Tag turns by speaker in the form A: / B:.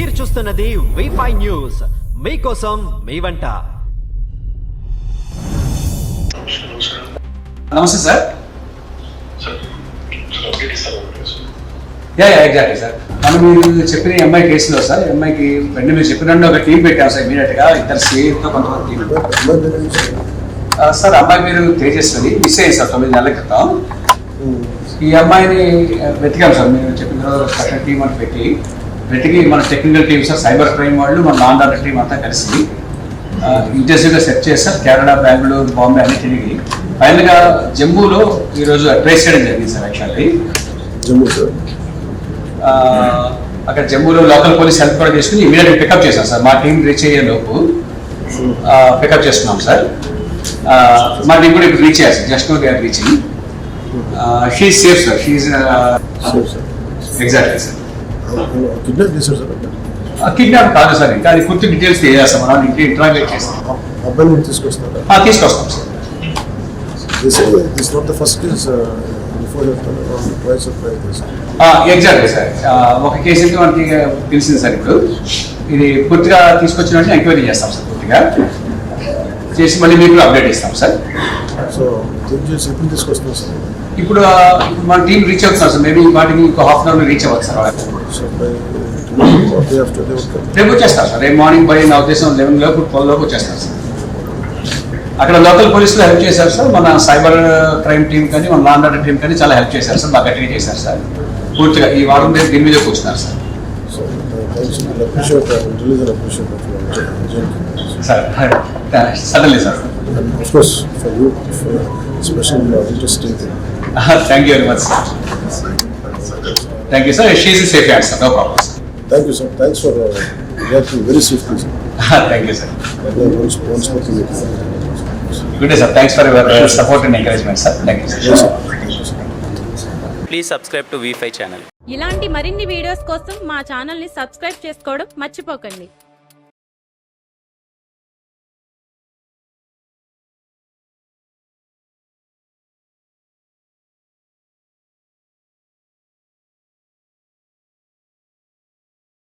A: మీరు చూస్తున్నది వి5 న్యూస్, మీకోసం మీ వంట.
B: నమస్తే సార్. Exactly sir. మనం మీరు చెప్పిన ఎంఐ కేసులో సార్, ఎంఐకి వెంటనే మీరు చెప్పినట్టు ఒక టీం పెట్టాం సార్. ఇమీడియట్ గా ఇద్దరు సేఫ్తో కొంతమంది టీం సార్. అమ్మాయి మీరు తేజస్వరి మిస్ అయ్యింది సార్ 9 నెలల క్రితం. ఈ అమ్మాయిని వెతికాం సార్. మీరు చెప్పిన స్పెషల్ టీం అని వెతికి మన technical team sir, cyber crime వాళ్ళు, మన లా అండ్ ఆర్డర్ టీం అంతా కలిసి ఇంటెన్సివ్గా సెర్చ్ చేస్తారు. కేరళ, బెంగళూరు, బాంబే అన్ని తిరిగి ఫైనల్గా జమ్మూలో ఈరోజు ట్రేస్ చేయడం జరిగింది సార్. యాక్చువల్లీ
C: జమ్మూ సార్,
B: అక్కడ జమ్మూలో లోకల్ పోలీస్ హెల్ప్ కూడా చేసుకుని ఇమీడియట్గా పికప్ చేశాం సార్. మా టీం రీచ్ అయ్యే లోపు పికప్ చేస్తున్నాం సార్. మా టీం కూడా ఇప్పుడు రీచ్ అయ్యారు sir. Just no they are reaching. She is safe sir. She is exactly sir.
C: Kidnap చేశారు సార్.
B: కిడ్నాప్ కాదు సార్, ఇంకా అది పూర్తి డీటెయిల్స్ తెలియజేస్తాం. మనం ఇంటి ఇంటరాగేట్ చేస్తాం.
C: అబ్బాయిని తీసుకొస్తున్నారు.
B: తీసుకొస్తాం sir.
C: This not the first case before twice or thrice.
B: Exactly sir. ఒక కేసు అయితే మనకి తెలిసింది సార్. ఇప్పుడు ఇది పూర్తిగా తీసుకొచ్చినట్టు ఎంక్వైరీ చేస్తాం సార్. పూర్తిగా చేసి మళ్ళీ మీకు అప్డేట్ ఇస్తాం సార్.
C: సో ఎప్పుడు తీసుకొస్తున్నాం సార్?
B: ఇప్పుడు మన టీం రీచ్ అవుతున్నారు సార్. మేబీ వాటికి ఇంకో హాఫ్ అన్ అవర్ రీచ్ అవ్వచ్చు సార్.
C: సో
B: రేపు వచ్చేస్తారు సార్. రేపు మార్నింగ్ బై నా ఉద్దేశం 11 లోపు 12 లోపు వచ్చేస్తారు సార్. అక్కడ లోకల్ పోలీసులు హెల్ప్ చేశారు సార్. మన సైబర్ క్రైమ్ టీం కానీ, మన లా అండ్ ఆర్డర్ టీం కానీ చాలా హెల్ప్ చేశారు సార్. బాగా గట్టిగా చేశారు సార్. పూర్తిగా ఈ వారం దీని మీద కూర్చున్నారు sir. Sir suddenly sir. Thank you very much sir. Thank you sir. She is safe hand sir. No problem sir.
C: Thank you, sir. Thanks for reacting very swiftly, sir.
B: Thank you, sir.
C: Once more to you.
B: Good day, sir. Thanks for your support and encouragement, sir. Thank you, sir.
C: Yes, sir.
D: Please subscribe to V5 channel.
E: ఇలాంటి మరిన్ని videos కోసం మా ఛానల్ని subscribe చేసుకోవడం మర్చిపోకండి.